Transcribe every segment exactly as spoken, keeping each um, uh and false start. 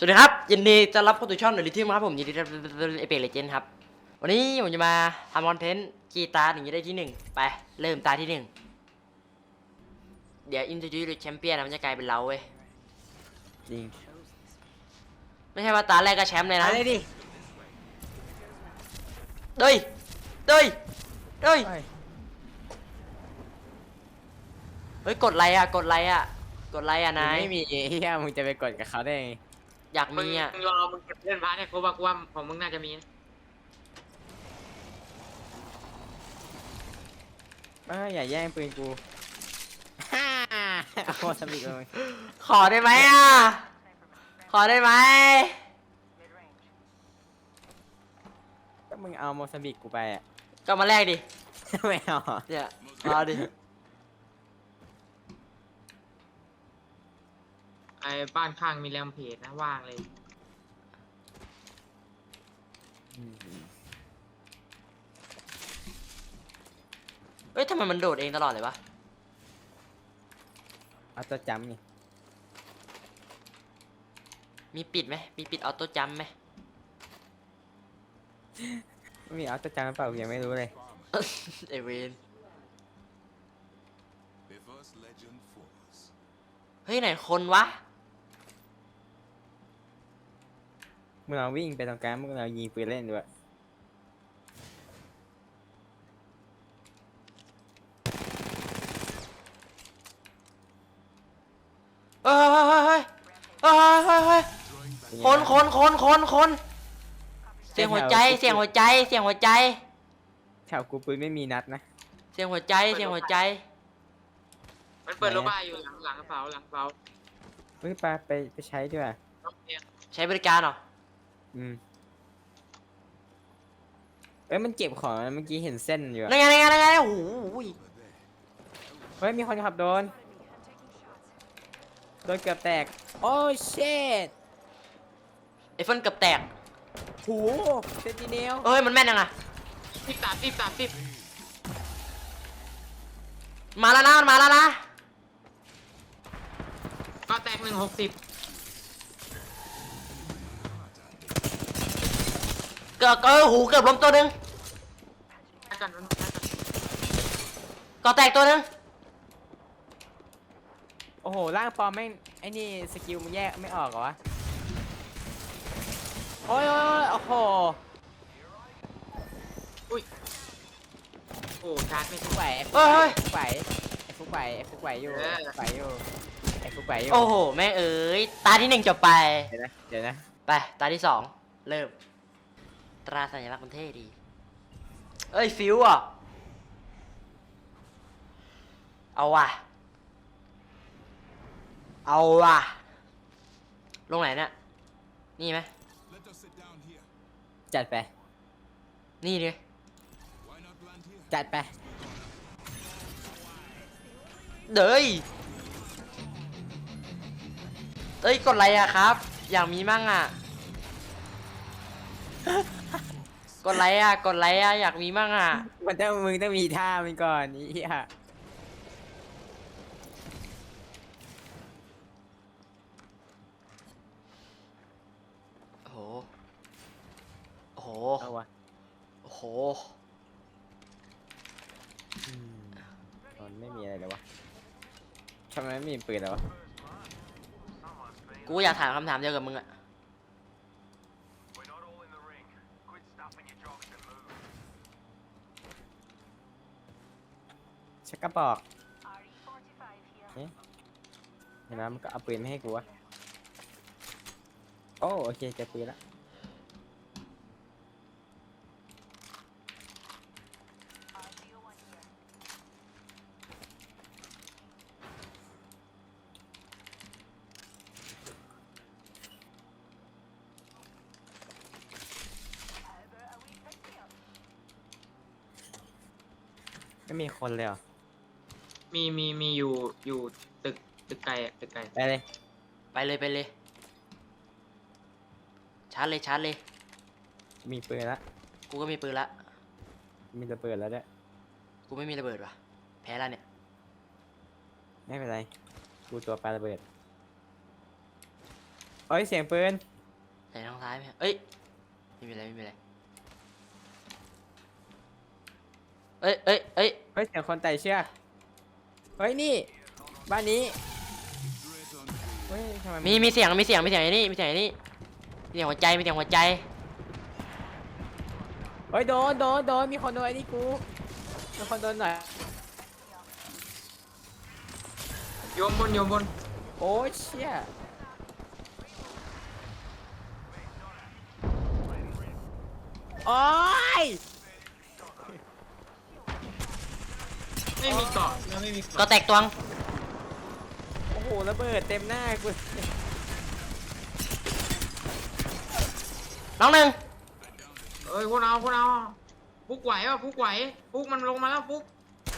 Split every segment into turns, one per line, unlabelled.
สวัสดีครับยินดีจะรับเข้าสู่ช่องเดลิทิมครับผมยินดีรับเอเปกเลเจนด์ครับวันนี้ผมจะมาทำคอนเทนต์กีตาร์อย่างนี้ได้ที่หนึ่งไปเริ่มตาที่หนึ่งเดี๋ยวอินเตอร์ดิวแชมเปี้ยนมันจะกลายเป็นเราเว้ย
จริง
ไม่ใช่ว่าตาแรกก็แชมป์เลยนะ
อะไรดิ
เด้ยเด้ยเด้ยเฮ้ยกดไลค์อ่ะกดไลค์อ่ะกดไลค์อ่ะนาย
ไม่มีเฮียมึงจะไปกดกับเขาได้ไง
อยาก
มึง
มีอ่ะ
รอมึงเก็บเล่นพาร์ทเนี่ยกูว่ากูว่าของมึงน่าจะมีนะ
เอ้ยอย่าแย่งปืนกูฮ่าโคตรสมิกเลย
ขอได้ไหมอ่ะขอได้ไหม
ก็มึงเอาโมซัมบิกกูไปอ่ะ
ก็มาแลกดิ
ไม่เอา
เนี่ยเอาดิ
ไอ้บ้านข้างมีแรมเพจนะว่างเลย
เอ้ยทำไมมันโดดเองตลอดเลยวะ
เอาตัวจำนี่
มีปิดไหมมีปิดออโต้จัมป์ไหม
ไม่มีเอาตัวจำหรือเปล่ากูยังไม่รู้เลย
เอเวน เฮ้ยไหนคนวะ
มึงลองวิ่งไปตรงกลางมึงลองยิงปืนเล่นด้วย
เฮ้ยเฮ้ยเฮ้ยเฮ้ยเฮ้ยเฮ้ยเฮ้ยคนคนคนคนคนเสียงหัวใจเสียงหัวใจเสียงหัวใจ
แถวกูปืนไม่มีนัดนะ
เสียงหัวใจเสียงหัวใจ
มันเปิดโลบ้าอยู่หลังหลังกระเป๋าหลังกระเป๋า
เฮ้ยไปไปไปใช้ด้วย
ใช้บริการเหรอ
อืมเอ้ยมันเก็บของนะเมื่อกี้เห็นเส้นอยู่อะ
นั่นไงนั่นไงนั่นไงโอ้โห
เฮ้ยมีคนขับโดนโดนเกือบแตกโอ้เชด
ไอเฟิลเกือบแตก
โหเซนติเนล
เอ้ยมันแม่นยังไง
สิบสามสิบสามสิบ
มาแล้วนะมันมาแล้วนะ
ก็แตกหนึ่งหกสิบ
เกือบเออหูเกือบล้มตัวหนึง
กันมัน
ก็แตกตัวหนึง
โอ้โหร่างปลอมแม่งไอ้นี่สกิลมันแยกไม่ออกเหรอวะโอ้ยโอ้ยโอ้โห
อุ้ยโอ้ชาร์จไม่
ฟุ
ถู
ก
ก
ไหว
เฮ้ยเฮ้ย
ฟุกไหวไอ้ฟุกไหวไอ้ฟุกไหวอยู่
เออ
ไอ้ฟุกไหวอยู่ไอ้ฟุกไหวอยู่
โอ้โหแม่งเอ้ยตาที่หนึ่งจบไป
เดี๋ยวนะเดี๋ยวนะ
ไปตาที่สองเริ่มตราสัญลักษณ์มันเท่ดีเอ้ยฟิวอ่ะเอาว่ะเอาว่ะลงไหนเนี่ยนี่ไหม
จัดไป
นี่ดิ
จัดไป
เด้ยเอ้ยกดอะไรอะครับ อยากมีมั่งอะ กดไลค์อะกดไลค์อะอยากมีมั่งอะ
มันต้องมึงต้องมีท่ามันก่อนนี่ฮะ
โอ้โหโอ้โห
เอาวะ
โอ้โห
อืมมันไม่มีอะไรเลยวะทำไมไม่มีปืนเลยวะ
กูอยากถามคำถามเดียวกับมึงอะ
ชักกระบอกเอ๊ะเห็นไหมมันก็เอาปืนไม่ให้กูวะโอ้โอเคเจอปืนละไม่มีคนเลยเหรอ
มีมีมีอยู่อยู่ตึกตึกไกลอะตึกไกล
ไปเลย
ไปเลยไปเลยชาร์จเลยชาร์จเลย
มีปืนละ
กูก็มีปืนละ
มีระเบิดแล้วด้วย
กูไม่มีระเบิดว่ะแพ้แล้วเนี่ย
ไม่เป็นไรกูตัวปาระเบิดเอ้ยเสียงปืน
ไหนทางซ้ายไหมเอ้ยไม่มีอะไรไม่มีอะไรเอ้ยเอ้ยเอ้ย
เฮ้ยเสียงคนไต่เชือกเฮ้ยนี่บ้านนี้เฮ้ยทำไมน
มีมีเสียงมีเสียงมีเสียงไอ้นี่มีเสียงไอ้นี่มีเสียงหัวใจมีเสียงหัวใจ
เฮ้ยโดนโดนโดนมีคนโดนไอ้นี่กูมีคนโดนหน่อย
โยมบนโยมบน
โอ้ยเชี่ยโอ้ย
ไม่มีเกาะแล้วไม่มี
ก็
เกาะ
แตกตวง
โอ้โหระเบิดเต็มหน้ากู
น้องหนึ่ง
เอ้ยพวกเราพวกเราฟุกไหวป่ะฟุกไหวฟุกมันลงมาแล้วฟุก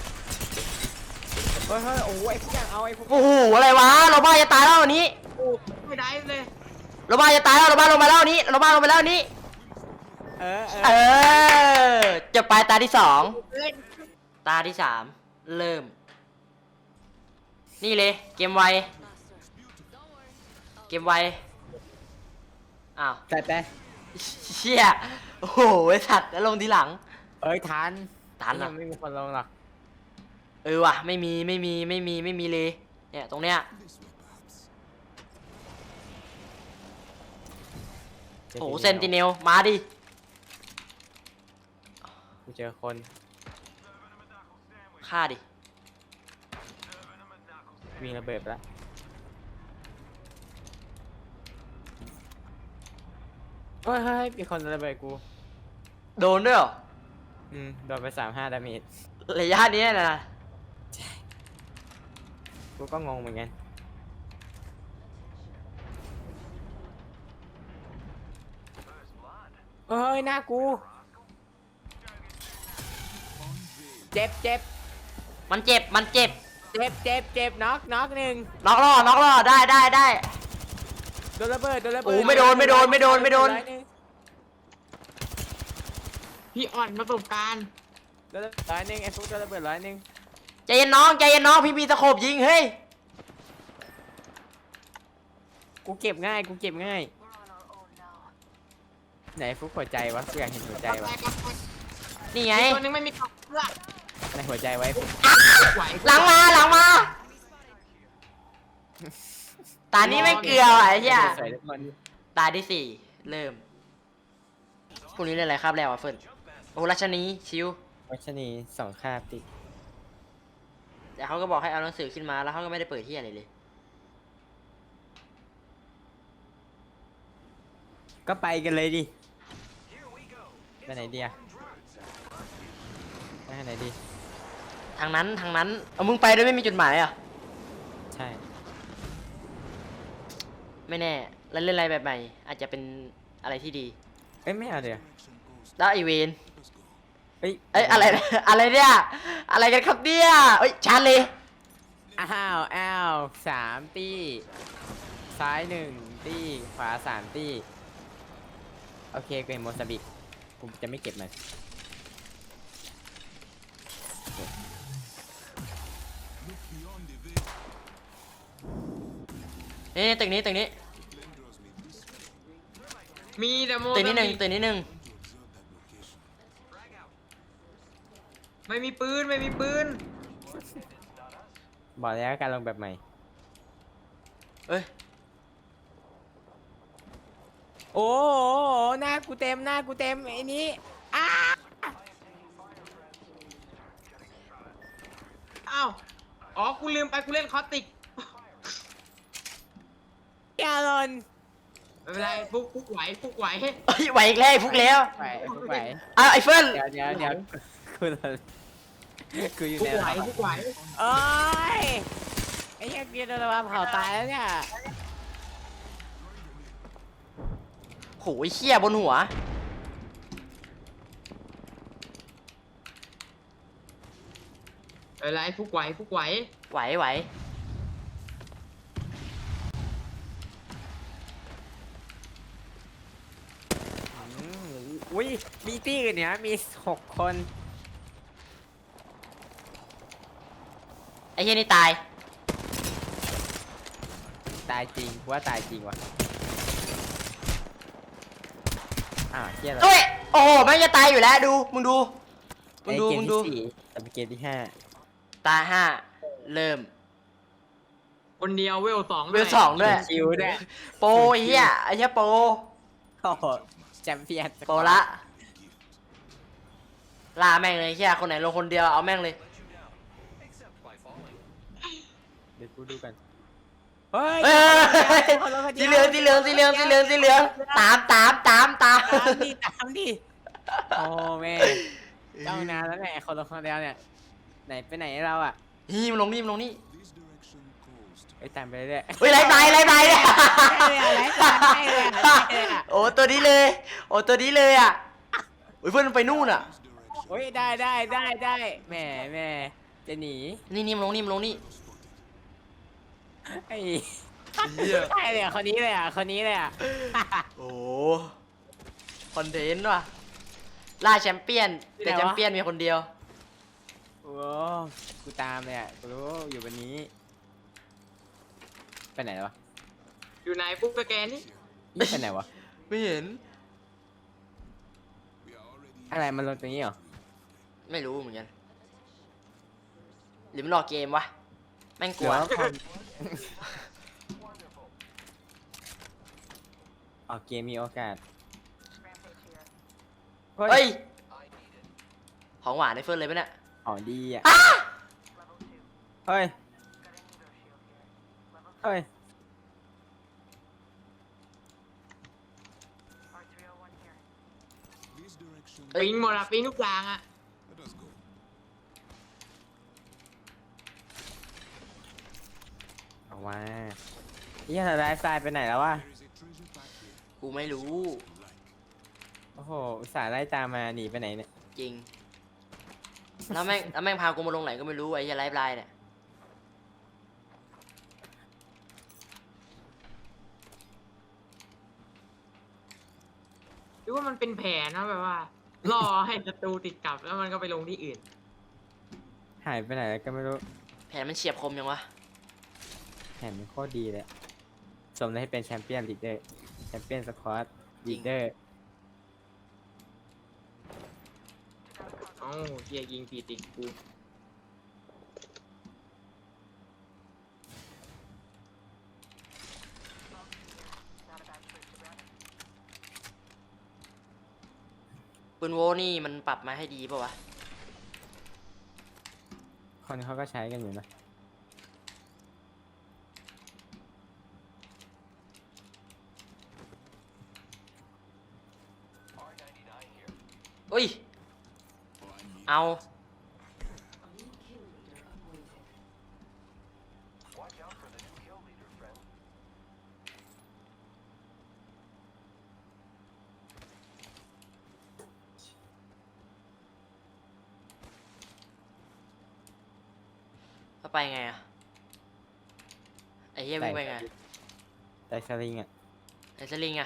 เฮ้ยเฮ้ยโอ้ยไอ้พวกอย่างเอาไอ้พวก
โอ้โหอะไรวะเราบ้าจะตายแล้วอันนี้
โอ้ไม่ได้เลย
เราบ้าจะตายแล้วเราบ้าลงมาแล้วอันนี้เราบ้าลงไปแล้วอันนี้
เออเอ
เอ
อ
อจะไปตาที่สอง
เล่น
ตาที่สามเริ่ม นี่เลยเกมไวเกมไวอ้าว
แต่แต่
เชี่ยโอ้โหไอ้สัตว์แล้วลงทีหลัง
เอ้ยทัน
ทันเหรอ
ยังไม่มีคนลงหรอก
เออว่ะไม่มีไม่มีไม่มีไม่มีเลยเนี่ยตรงเนี้ยโอ้โหเซนติเนลมาดิ
กูเจอคน
ฆ่าดิ
วิ่งระเบิดไปแล้วเฮ้ยเฮ้ยมีคนระเบิดกู
โดนด้วยเหรอ
อืมโดนไปสามห้าดาเมจ
ระยะเนี้ยนะ
กูก็งงเหมือนกันเฮ้ยหน้ากูเจ็บเจ็บ
มันเจ็บมันเจ็บ
เจ็บเจ็บเจ็บน็อกน็อกหนึ่ง
น็อกล่อน็อกล่อได้ได้ได้
โดนระเบิดโดนระเบิด
โอ้ไม่โดนไม่โดนไม่โดนไม่โดน
พี่อ่อนประสบการณ์
โดนระเบิดร้อยหนึ่งไอ้ฟุกโดนระเบิดร้อยหนึ่ง
ใจเย็นน้องใจเย็นน้องพี่มีตะโขบยิงเฮ้ย
กูเก็บง่ายกูเก็บง่ายไหนฟุกหัวใจวะกูอยากเห็นหัวใจวะ
นี่ไง
ตัวนึงไม่มีเกาะเพื่อ
ในหัวใจไว้ฟุก
ฟุกไหว
หลังมาหลังมาตานี้ไม่เกลือว่ะไอ้เหี้ย
สวยทุกคน
ตาที่สี่เริ่มพรุ่งนี้เล่นอะไรครับแล้วอ่ะเฟิร์นโอ้รัชนีชิว
วัชนีสองคาบติด
แต่เขาก็บอกให้เอาหนังสือขึ้นมาแล้วเขาก็ไม่ได้เปิดที่อะไรเลย
ก็ไปกันเลยดิไปไหนดีอะไปไหนดี
ทางนั้นทางนั้นเอามึงไปโดยไม่มีจุดหมายเหรอ่ะ
ใช่
ไม่แน่แล้วเล่นอะไรแบบใหม่อาจจะเป็นอะไรที่ดี
เอ้ยไม่เอาเดี๋ยว
แล้วไอเวน
เอ้ย
เอ้ยอะไร อะไรเนี่ยอะไรกันครับเนี่ยเอ้ยชันเลย
อ้าวอ้าวสามตีซ้ายหนึ่งตีขวาสามตีโอเคกูเห็นโมซาบิกกูจะไม่เก็บมัน
นี่ตึกนี้ตึกนี้
มีแต่โม
ตึกนี้หนึ่งตึกนี้หนึ่ง
ไม่มีปืนไม่มีปืน
บอกแล้วการลงแบบใหม่
เอ้ย
โอ้โหหน้ากูเต็มหน้ากูเต็มไอ้นี้อ้า
อ้าวอ๋อกูลืมไปกูเล่นคอสติก
แกลอน
ไม่เป็นไรฟุกฟุกไหวฟุกไหว
เอ้ยไหวอีกแล้วไอ้ฟุกแล้ว
ไปไอ้พวกไป
อ้าวไอ้เฟิร์น
เดี๋ยวเดี๋ยวเดี๋ยวกูโดนกูอยู่
ฟุก
ใน
ไหวฟุกไหว
โอ้ยไอ้เหี้ยเกียร์โดนระเบิดเผาตายแล้วเนี่ย
โหยเขี้ยบนหัว
ไม่เป็นไรฟุกไหวฟุกไหว
ไหวไหว
อืมอุ้ยมีตี้อื่นเนี่ยมีหกคน
ไอ้เหี้ยนี่ตาย
ตายจริงกูว่าตายจริงว่ะอ้าวเชี่ยอะไร
เอ้ยโอ้โหแม่งจะตายอยู่แล้วดูมึงดูมึ
ไอ้
งดู
เกม
มึง
ที่
ดู
สี่แต่เป็นเกมที่ห้า
ตาห้าเริ่ม
คนเดียวเวลสอง
เวลสองด้วย
คิวด้วย
โปรไอ้เหี้ยไอ้เหี้ยโปร
โอ้โหแชมเปี้ยน
โปรละล่าแม่งเลยไอ้เหี้ยคนไหนลงคนเดียวเอาแม่งเลย
เดี๋ยวกูดูกันเฮ้ย
เฮ้ยสีเหลืองสีเหลืองสีเหลืองสีเหลืองสีเหลืองตามตามตามตาม
ตามดิตามดิโอ้แม่เจ้านานแล้วไงคนละคนเดียวเนี่ยไหนไปไหนเราอ่ะ
นี่มันลงนี่มันลงนี่
ไอ้ยตามไปเรื่อย
เฮ้ยไล่ตายไล่ตายเนี่ย
ได้เลยอะไล่ตายได้เลยอะได้เลยอะ
โอ้ตัวนี้เลยโอ้ตัวนี้เลยอ่ะโอ้ยเพื่อนมันไปนู่นอ่ะ
โอ้ยได้ได้ได้ได้แหม่แหม่จะหนี
นี่นี่มันลงนี่มันลงนี่
ไอ้
เหี้ย
ใช่เลยอะคนนี้เลยอ่ะคนนี้เลยอ่ะ
โอ้คอนเทนต์ว่ะล่าแชมเปี้ยนแต่แชมเปี้ยนมีคนเดียว
โอ้กูตามเลยอ่ะกูรู้อยู่บนนี้ไปไหนวะ
อยู่ไหนปุ๊บสแกนนี่
นี่ไปไหนวะ
ไม่เห็น
อะไรมันลงตรงนี้เหรอ
ไม่รู้เหมือนกันหรือมันรอเกมวะแม่งกลัว
หรือว่าความออกเกมมีโอกาส
เฮ้ยของหวานในเฟิร์นเลยปะเนี่ย
ของดีอ่ะเฮ้ยเฮ้ย
เอ้ย
ปิงหมดอะปิงทุกอย่างอะ
เอาว่าเฮียไลฟ์สไตล์ไปไหนแล้ววะ
กูไม่รู้
โอ้โหอุตส่าห์ไล่ตามมาหนีไปไหนเนี่ย
จริงแล้วแม่งแล้วแม่งพากูมาลงไหนก็ไม่รู้ไอ้เหี้ยไลฟ์ไลน์เนี่ย
หรือว่ามันเป็นแผนนะแบบว่า รอให้ศัตรูติดกลับแล้วมันก็ไปลงที่อื่น
หายไปไหนแล้วก็ไม่รู้
แผนมันเฉียบคมยังวะ
แผนมันโคตรดีเลยอะสมได้ให้เป็นแชมเปี้ยนลีดเดอร์แชมเปี้ยนสควอตลีดเดอร์
เอ้าเฮียยิงผิดอีกกู
ปืนโวนี่มันปรับมาให้ดีป่าวะ
คนเขาก็ใช้กันอยู่นะ
อุ้ยเอาแล้วไปไงอะไอ้เหี้ยวิ่งไปไง
แต่สลิงอ่ะ
ไอ้สลิงอะ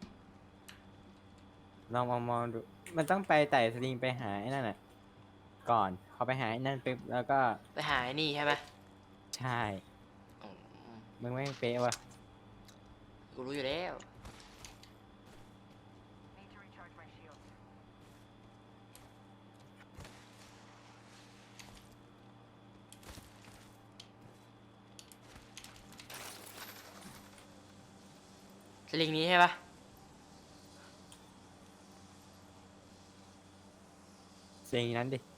ลองมองมองดู มันต้องไปไต่สลิงไปหาไอ้นั่นน่ะ ก่อนเขาไปหาไอ้นั่นปุ๊บแล้วก็
ไปหาไอ้นี่ใช่ไหม
ใช่
อืม
มึงไม่งเป๊ะว่ะ
กูรู้อยู่แล้วสลิงนี้ใช่ปะ
สลิงนั้นดิ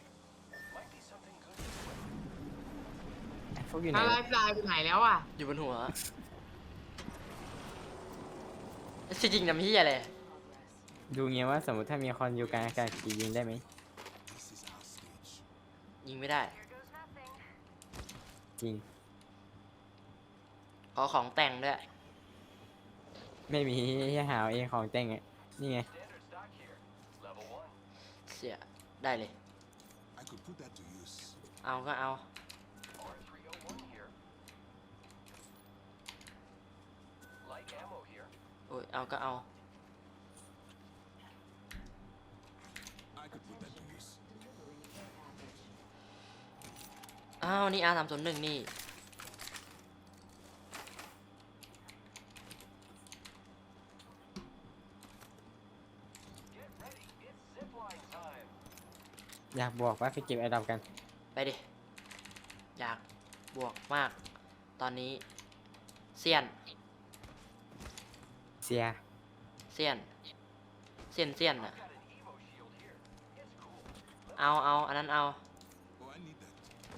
ไอ้พวกอยู่ไหน
ถ้าไล
วะ
ฟ์ไลน์ไปไหนแล้วอะ
อยู่บนหัวจริงๆนะพี่อะไร
ดูเงี้ยว่าสมมติถ้ามีคนอยู่กลางอากาศจะยิงได้ไหม
ยิงไม่ได้
จริง
ขอของแต่งด้วย
ไม่มีให้หาเอาเองของแต่งอ่ะ นี่ไง
เสียได้เลย เอาก็เอา โอ้ย เอาก็เอา อ้าว นี่อาสามศูนย์หนึ่งนี่
อยากบอกว่าไปเก็บไอดอมกัน
ไปดิ อยากบวกมาก ตอนนี้เซียน
เสีย
เซียน เซียนเซียนอะเอาเอาอันนั้นเอา
Oh, I need that.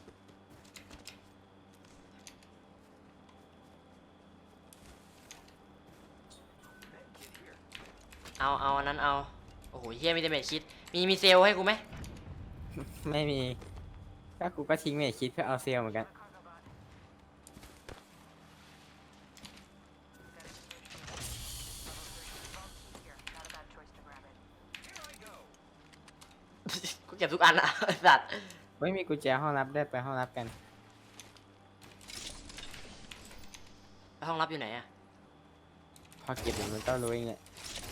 เอาเอาอันนั้นเอา โอ้โหเฮียมีแต่เมจคิด มีมีเซลลให้กูไหม
ไม่มีก็กูก็ทิ้งเมจคิดเพื่อเอาเซลลเหมือนกัน
กูเก็บทุกอันอะ ไอ้สัตว์
ไม่มีกุญแจห้องรับได้ไปห้องรับกัน
ห้องรับอยู่ไหนอะ
พอเก็บเดี๋ยวมันก็รู้เองแหละ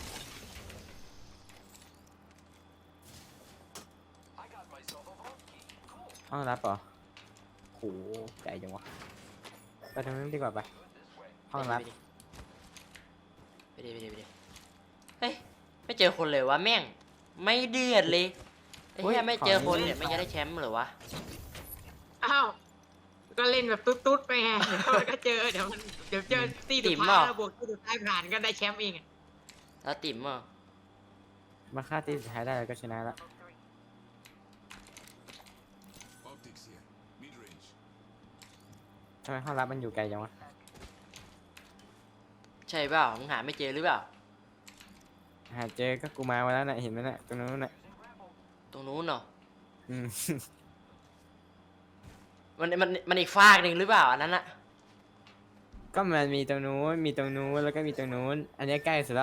ห้องรับเหรอโหใหญ่จังวะไปตรงนั้นดีกว่าไปห้องรับ
ไปดิไปดิไปดิเฮ้ย ไม่เจอคนเลยวะแม่ง ไม่เดือดเลยไอ้เหี้ยไม่เจอคนเนี่ยไม่จะได้แชมป์เหรอวะ
อ้าวก็เล่นแบบตุ๊ดๆไปไงเดี๋ยวมันก็เจอเดี๋ยวมันเดี๋ยวเจอตี
ติ๋
สุด
ม
ท้าย
เปล่า
แล้วบวกตีสุดท้ายผ่านก็ได้แชมป์เองอะ
แล้วติ๋มอ่ะ
มาฆ่าตีสุดท้ายได้แล้วก็ชนะละ
Optics here. Mid range.
ทำไมห้องรับมันอยู่ไกลจังวะ
ใช่เปล่ามึงหาไม่เจอหรือเปล่า
หาเจอก็กูมามาแล้วน่ะเห็นไหมน่ะตรงนู้นน่ะ
ตรงนู้นเนาะ
อืม
มันมันมันอีกฟากหนึ่งหรือเปล่าอันนั้นอะ
ก็มันมีตรงนู้นมีตรงนู้นแล้วก็มีตรงนู้น อันนี้ใกล้สุดละ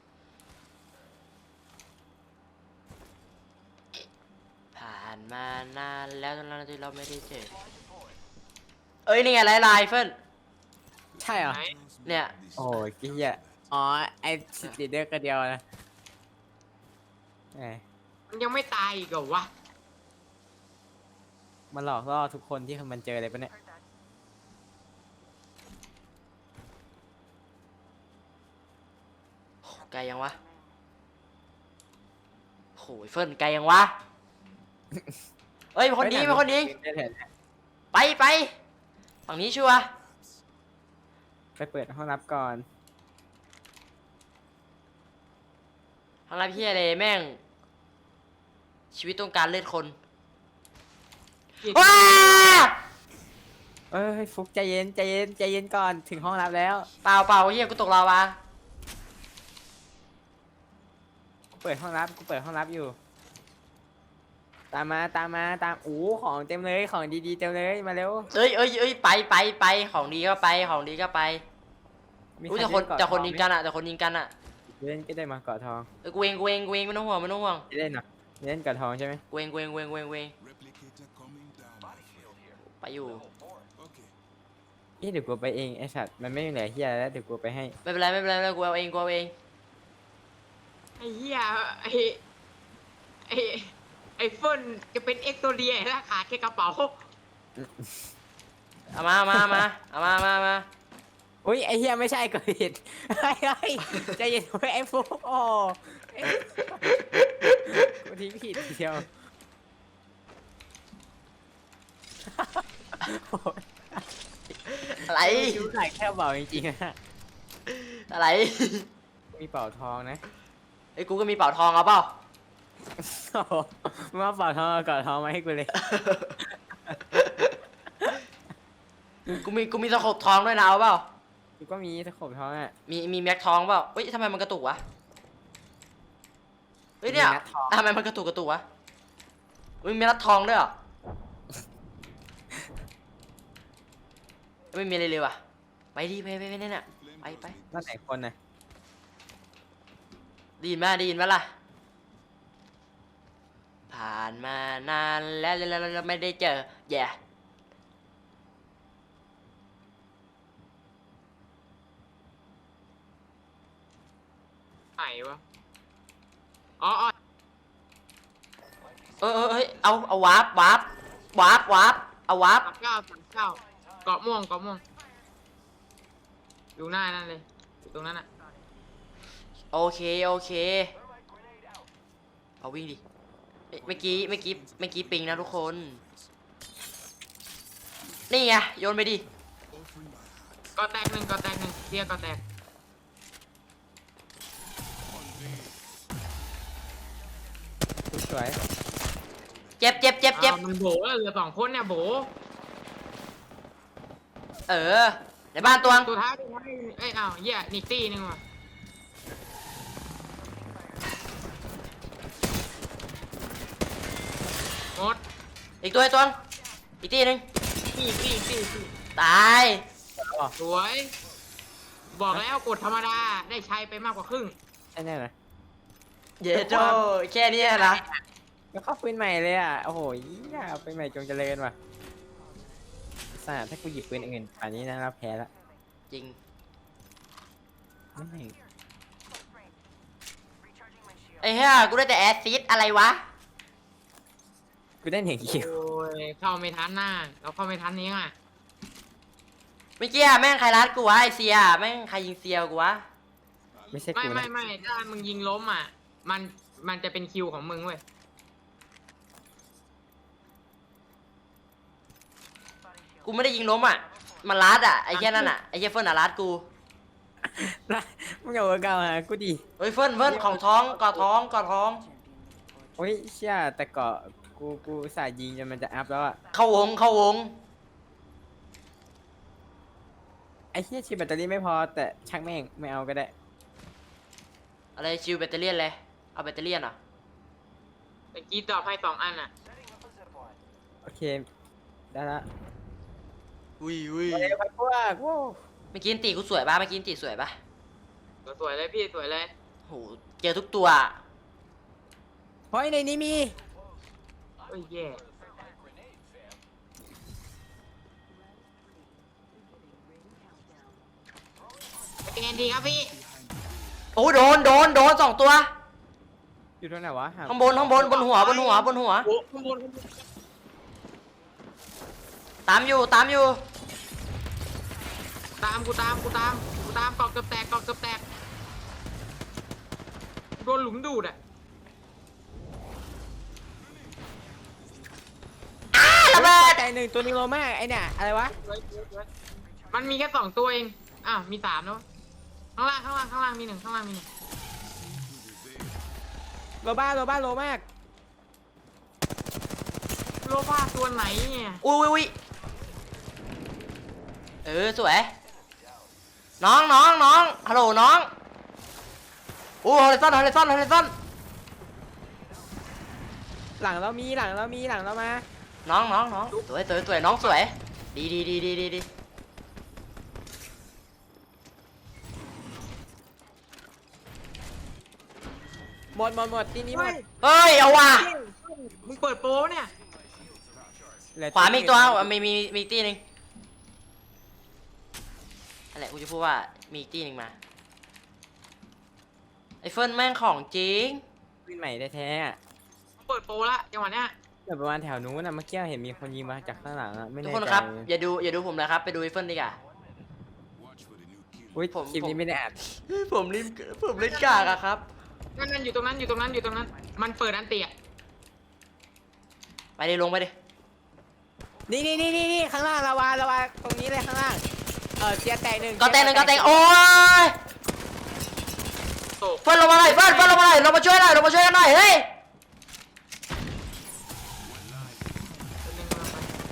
ผ่านมานานแล้วตอนนั้นที่เราไม่ได้เจอ เอ้ยนี่ไงไลน์ไลน์เฟิร์น
ใช่เหรอ
ไหน
เนี่ย
โอ้ยกี้อ่ะอ๋อไอสตีเดอร์ก็เดียวนะแหม
มันยังไม่ตายอีกเหรอวะ
มันหลอกล่อทุกคนที่มันเจอเลยปะเนี่ย
โหไกลยังวะโหยเฟิร์นไกลยังวะ เอ้ยเป็นคนดีเป็นคนดี
ได้แถม
ไปไปฝั่งนี้ชัวร์
ไปเปิดห้องรับก่อน
ทางไรพี่อะไรแม่ง ชีวิตต้องการเลือดคน ว้า
เอ้ยฟุกใจเย็นใจเย็นใจเย็นก่อนถึงห้องรับแล้ว
เปล่าเปล่าเฮียกูตกลาวา
กูเปิดห้องรับกูเปิดห้องรับอยู่ ตามมาตามมาตามโอ้ของเต็มเลยของดีๆเต็มเลยมาเร็ว
เอ้ยเอ้ยเอ้ยไปไปไปของดีก็ไปของดีก็ไป
มี
อุ้ย
ใร
แต่คน
เล่เกาะ
แต่คน
ทอ
ยิง
ไหม
กันอะแต่คนยิงกันอะ
เล่นก็ได้มาเกาะทอง
เออกูเองกูเองกูเองไม่ต้องห่วงไม่ต้องห่วง
เล่นเหรอเล่นเกาะทองใช่ไหม
กูเองกูเองกูเองกูเองกูเอง
Replicator coming down. my friend.
ไปอยู่
Okay.
เอ๊ะเดี๋ยวกูไปเองไอสัตว์มันไม่มีเหลือเฮียแล้วเดี๋ยวกูไปให้
ไม่เป็นไรไม่เป็นไรไม่เป็นไรกูเอาเองกูเอาเอง
ไอ้เหี้ยไอ้ไอ้ไอ้เฟิร์นจะเป็นเอ็กโซเดียแล้วขาดแค่กระเป๋า
เอามาเอามาเอามาเอามาเอามาเอามา
อุ้ยไอเฮียไม่ใช่กูผิดเฮ้ยเฮ้ยใจเย็นไว้ไอฟุกโอ้เอ้ยกูทิ้งผิดทีเดียวโอ้ย
อะไร
คิ้วไหล่แค่เบาจริงๆนะ
อะไร
มีเป่าทองนะ
ไอ้ยกูก็มีเป่าทองเอาเปล่า
โอ้โหมึงมาเป่าทองเอาเกาะทองมาให้กูเลย
กูมีกูมีตะขบทองด้วยนะเอาเปล่า
กูก็มีตะขบทองอ่ะ
มีมีแม็กทองเปล่าเฮ้ยทำไมมันกระตุกวะ เฮ้ยเนี่ย
มีแม็กทอง
ทำไมมันกระตุกกระตุกวะเฮ้ยมีรัดทองด้วยเหรอไม่มีอะไรเลยว่ะ ไปดิไปไปไปเนี่ยน่ะ
Flame
Bye,
goes
bye.
mid.
นั่นไหนคนน่ะ
ได้ยินไหมได้ยินไหมล่ะ ผ่านมานานแล้วแล้วแล้วแล้วไม่ได้เจอแย่
ไหนวะอ๋ออ๋อ
เออเออเฮ้ยเอาเอาวาร์ปวาร์ปวาร์ปวาร์ปเอาวาร์ป
สามเก้าสามเก้าเกาะม่วงเกาะม่วงอยู่หน้านั่นเลยอยู่ตรงนั้นอ่ะ
โอเคโอเคเอาวิ่งดิเมื่อกี้เมื่อกี้เมื่อกี้ปิงนะทุกคน นี่ไงโยนไปดิ
Offering my heart.
ก็แตกหนึ่งก็แตกหนึ่งเรียกก็แตก
สวย
เจ็บเจ็บเจ็บเจ็บ
อ้าวมันโบแล้วเหลือสองคนเนี่ยโบ
เออในบ้านตัวง
ตัวท้ายตัวท้ายเอ้ยอ้าวเหี้ยนิกตี้หนึงว่ะหมด
อีกตัวอีกตัวงอีกทีหนึง
ตี้ตี้ตี้ตี้
ตาย
สวย บอกแล้วกดธรรมดาได้ใช้ไปมากกว่าครึ่ง
ใช่แน่นะ
เยโจแค่นี้นะ
แล้วเข้าปืนใหม่เลยอ่ะ โอ้โหย่าปืนใหม่จงเจริญว่ะสาถ้ากูหยิบปืนอื่นป่านนี้นะเราแพ้ละ
จริง
ไม่
ไอ้เหี้ยกูได้แต่แอซซิดอะไรวะ
กูได้หนึ่งคิว
โอ้ยเข้าไม่ทันหน้าเราเข้าไม่ทันนี้อ่ะ
เมื่อกี้อะแม่งใครรัดกูวะไอเซียแม่งใครยิงเซียกูวะ
ไม่ใช่
ไม่
กู
ไม่
นะ
ไม่ถ้ามึงยิงล้มอ่ะ มันมันจะเป็นคิวของมึงเว้ย
กูไม่ได้ยิงล้มอ่ะมันรัดอ่ะไอ้เหี้ยนั่นอ่ะไอ้เหี้ยเฟิร์นอ่ะรัดกู
นะมึงเอาเก่าหากูดิ
เฮ้ยเฟิร์นเฟิร์นของท้องกอดท้องกอดท้อง
โอ้ยเชี่ยแต่เกาะกูกูสายยิงจนมันจะอัพแล้วอ่ะ
เข้าวงเข้าวง
ไอ้เชี่ยชีแบตเตอรี่ไม่พอแต่ช่างแม่งไม่เอาก็ได้
อะไรชิวแบตเตอรี่ยนเลยเอาแบตเตอรี่ยนเหรอ่ะ
ตะกี้ตอบให้สองอันอ่ะ
โอเค ได้ละ
อุ้ยอุ้ย
ไปไปพวกว้าว
เมื่อกี้ตีกูสวยปะเมื่อกี้ตีสวยปะ
สวยเลยพี่สวยเลย
โหเจอทุกตัว
เฮ้ยในนี้มี
โอ้ยแย่เป็นไงดีครับพี่
โอ้โดนโดนโดนสองตัว
อยู่ตรงไหนวะหา
ข้างบนข้างบนบนหัวบนหัวบนหัว
โอ้ข้างบนข้างบน
ตามอยู่ตามอยู่
ตามกูตามกูตามกูตามกอกเกือบแตกกอกเกือบแตกโดนหลุมดูดอ่ะ
อ้าระเบิด
ใจหนึ่งตัวนึงโลมากไอเนี่ยอะไรวะ
มันมีแค่สองตัวเองอ้าวมีสามแล้วข้างล่างข้างล่างข้างล่างมีหนึ่งข้างล่างมีหนึ่ง
โลบ้าโลบ้าโลมาก
โลบ้าตัวไหนเนี่ย
อุ้ยอุ้ยอุ้ยเออสวยน้องน้องน้องฮัลโหลน้องโอ้ฮอลเลซันฮอลเลซันฮอลเลซัน
หลังเรามีหลังเรามีหลังเรามา
น้องน้องน้องสวยสวยสวยน้องสวยดีดีดีดีดีดี
หมดหมดหมดทีนี้หมด
เฮ้ยเอาว่ะ
มึงเปิดโปรเนี่ย
เหลือ
ขวามีอีกตัวอ่ะมีมีมีอีกตีหนึ่งอะไรกูจะพูดว่ามีอีกตีหนึ่งมาไอเฟิร์นแม่งของจริง
ปืนใหม่แท้ๆอะ
เปิดโปรละจังหวะเนี้ย
แบบประมาณแถวนู้นนะเมื่อกี้เห็นมีคนยิงมาจากข้างหลังอะไม่
ทุก
แน่
คน
ใจ
ครับอย่าดูอย่าดูผมนะครับไปดูไอเฟิร์นดีกว่า
Watch for the new kill.
อุ้ย
ผม
คลิป
ผม
นี้ไม่ได้อัด
ผมเล่นผมเล่นกากอะครับ
นั่นนั่นอยู่ตรงนั้นอยู่ตรงนั้นอยู่ตรงนั้น มันเปิดอันเตีย
ไปดิลงไปดิ
นี่นี่นี่นี่นี่ข้างล่างลาวาลาวาตรงนี้เลยข้างล่างเออเสียแตกหนึ่ง
ก็แตงหนึ่งก็แตงโอ้ย
โตก
เฟิร์นลงมาหน่อยเฟิร์นเฟิร์นลงมาหน่อยลงมาช่วยหน่อยลงมาช่วยกันหน่อยเฮ้ย
คนหนึ่งกำลังไป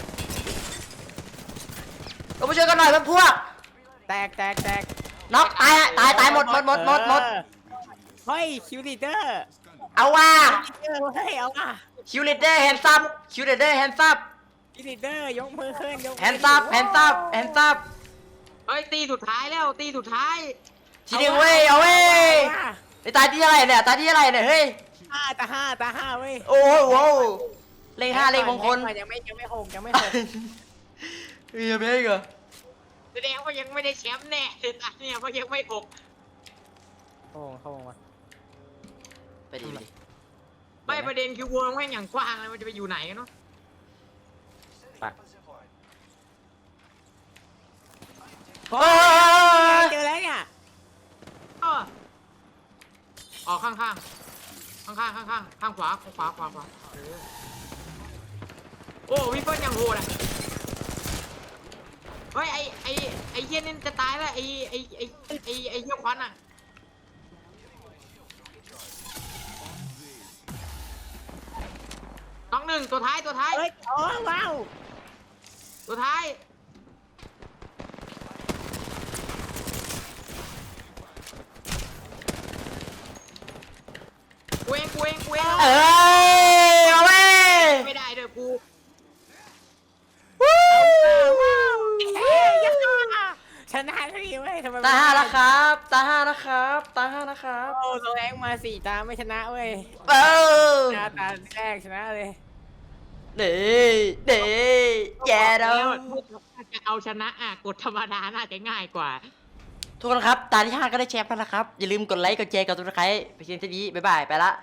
ลงมาช่วยกันหน่อยเพื่อนพวก
แตกแตกแตก
น็อกตายอะตายตายหมดหมดหมดหมดหมด
เออเฮ้ยคิวลีเดอร์
เอาว่ะ
เออเฮ้ยเอาอ่ะ
คิวเลเดอร์แฮนซับคิวเลเดอร์แฮนซับ
คิวลีเดอร์ยกมือขึ้นยกมือ
แฮนซับแฮนซับแฮนซับ
เฮ้ยตีสุดท้ายแล้วตีสุดท้าย
ทีหนึงเว้ยเอาเว้ยไอตายที่อะไรเนี่ยตายที่อะไรเนี่ยเฮ้ย
ห้าตาห้าตาห้าเว้ย
โอ้โหโว้วเลขห้าเลขมงคล
ยังไม่ยังไม่หกยังไม่หก
เฮ้ยไม่เหรอ
แสดงว่ายังไม่ได้แชมป์แน่ตอนเนี่ยเพราะยังไม่หก
เข้าวงเข้าวงมา
ไปดิไปดิ
ไม่ประเด็นคือวงแม่งอย่างกว้างเลยมันจะไปอยู่ไหนกันเนาะ
ปัก
โอ้ย
เจอแล้วเนี่ย
ก็ออกข้างข้างข้างข้างข้างข้างขวาข้างขวาขวาขวาเออโอ้พี่เฟิร์นยังโหดอ่ะเฮ้ยไอไอไอเหี้ยนี่จะตายแล้วไอไอไอไอไอเหี้ยควันอ่ะน้องหนึ่งตัวท้ายตัวท้าย
เฮ้ยโอ้ว้าว
ตัวท้ายกูเองกูเองกูเอง
เอ้ยเอาเว้ย
ไม่ได้เด้อกู
ชนะทีเว้ยทำไม
ตาห้าแล้วครับ ตาห้านะครับตาห้านะครับ
โอ้โซแรงมาสี่ตาไม่ชนะเว้ย
เออ
ชนะตาแรกชนะเลย
เด้เด้แย่แล้ว
ถ้าจะเอาชนะอ่ะกดธรรมดาน่าจะง่ายกว่า
ทุกคนครับ ตาที่ห้าก็ได้แชมป์แล้วนะครับ อย่าลืมกดไลค์ กดแชร์ กดติดตามไปเชียร์ที่นี้บ๊ายบาย ไปละ